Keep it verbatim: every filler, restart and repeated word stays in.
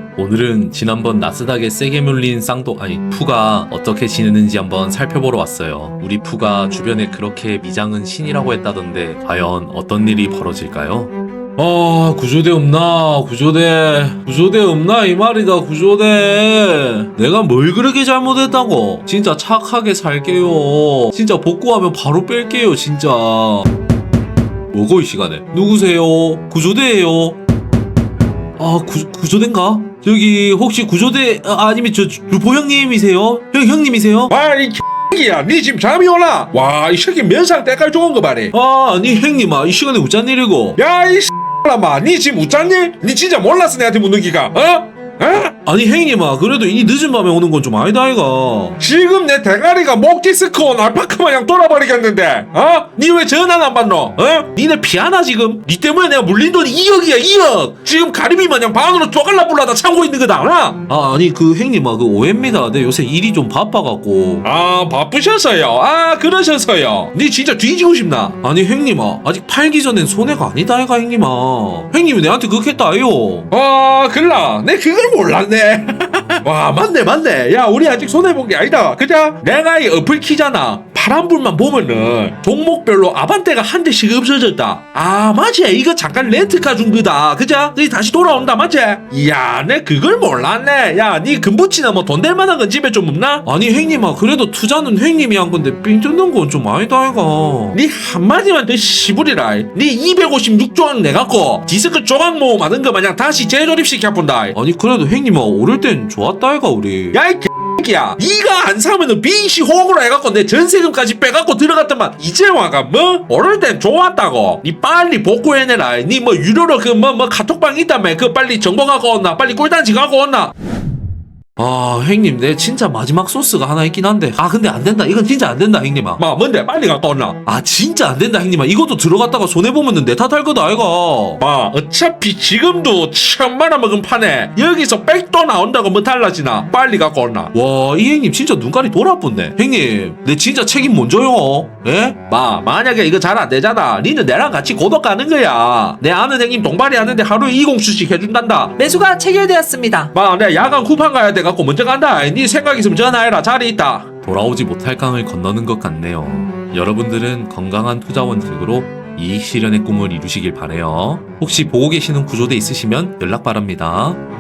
오늘은 지난번 나스닥에 세게 물린 쌍도 아니 푸가 어떻게 지내는지 한번 살펴보러 왔어요. 우리 푸가 주변에 그렇게 미장은 신이라고 했다던데 과연 어떤 일이 벌어질까요? 아 구조대 없나 구조대 구조대 없나 이 말이다. 구조대 내가 뭘 그렇게 잘못했다고. 진짜 착하게 살게요. 진짜 복구하면 바로 뺄게요 진짜. 뭐고 이 시간에. 누구세요? 구조대예요. 아 구, 구조대인가? 저기 혹시 구조대 아, 아니면 저 루포 형님이세요? 형 형님이세요? 와이 X야 니 지금 잠이 오나? 와 이 새끼 면상 때깔 좋은 거 말해. 아 아니 형님아 이 시간에 웃잔 일이고. 야이 X라마 니 지금 웃잖니? 니 진짜 몰랐어 내한테 묻는 기가 어? 어? 아니 형님아 그래도 이 늦은 밤에 오는 건 좀 아니다 아이가. 지금 내 대가리가 목 디스크 온 알파카 마냥 돌아버리겠는데 어? 니 왜 전화는 안 받노? 어? 니네 피하나 지금? 니 때문에 내가 물린 돈이 이억이야 이억. 지금 가리비 마냥 반으로 쪼갈라 불라다 참고 있는 거다 알아? 아 아니 그 형님아 그 오해입니다. 내 요새 일이 좀 바빠갖고. 아 바쁘셔서요. 아 그러셔서요. 니 진짜 뒤지고 싶나? 아니 형님아 아직 팔기 전엔 손해가 아니다 아이가 형님아. 형님이 내한테 그렇게 했다 아요. 아 글라 내 그걸 몰랐네. 와 맞네 맞네. 야 우리 아직 손해본 게 아니다 그자? 내가 이 어플 키잖아. 파란불만 보면은 종목별로 아반떼가 한 대씩 없어졌다. 아 맞지 이거 잠깐 렌트카 준 거다 그자? 이 다시 돌아온다 맞지? 이야 내 그걸 몰랐네. 야 니 금붙이나 뭐 돈 될 만한 건 집에 좀 없나? 아니 형님아 그래도 투자는 형님이 한 건데 삥 뜯는 건 좀 아니다 아이가. 니 한마디만 더 시부리라. 니 이백오십육 조각 내갖고 디스크 조각 모음 하는 거 마냥 다시 재조립시켜본다. 아니 그래도 형님아 오를 땐 좋았다 아이가 우리. 야이 개야 니가 안 사면은 빈시 호구로 해갖고 내 전세금까지 빼갖고 들어갔더만 이제 와가 뭐? 오를 땐 좋았다고. 니 빨리 복구해내라. 니 뭐 유료로 그 뭐 뭐 카톡방 있다며 그 빨리 정보 갖고 온나 빨리 꿀단지 갖고 온나. 아 형님 내 진짜 마지막 소스가 하나 있긴 한데 아 근데 안 된다 이건 진짜 안 된다 형님아. 마 뭔데 빨리 갖고 온나. 아 진짜 안 된다 형님아. 이것도 들어갔다가 손해보면 내 탓할 거다 아이가. 마 어차피 지금도 천만 원 먹은 판에 여기서 백도 나온다고 뭐 달라지나. 빨리 갖고 온나. 와 이 형님 진짜 눈깔이 돌아붙네. 형님 내 진짜 책임 먼저요. 예? 마 만약에 이거 잘 안 되잖아. 니는 내랑 같이 고독 가는 거야. 내 아는 형님 동발이 하는데 하루에 이공수씩 해준단다. 매수가 체결되었습니다. 마 내가 야간 쿠팡 가야 돼갖고 먼저 간다. 니 생각 있으면 전화해라. 자리 있다. 돌아오지 못할 강을 건너는 것 같네요. 여러분들은 건강한 투자 원칙으로 이익 실현의 꿈을 이루시길 바래요. 혹시 보고 계시는 구조대 있으시면 연락 바랍니다.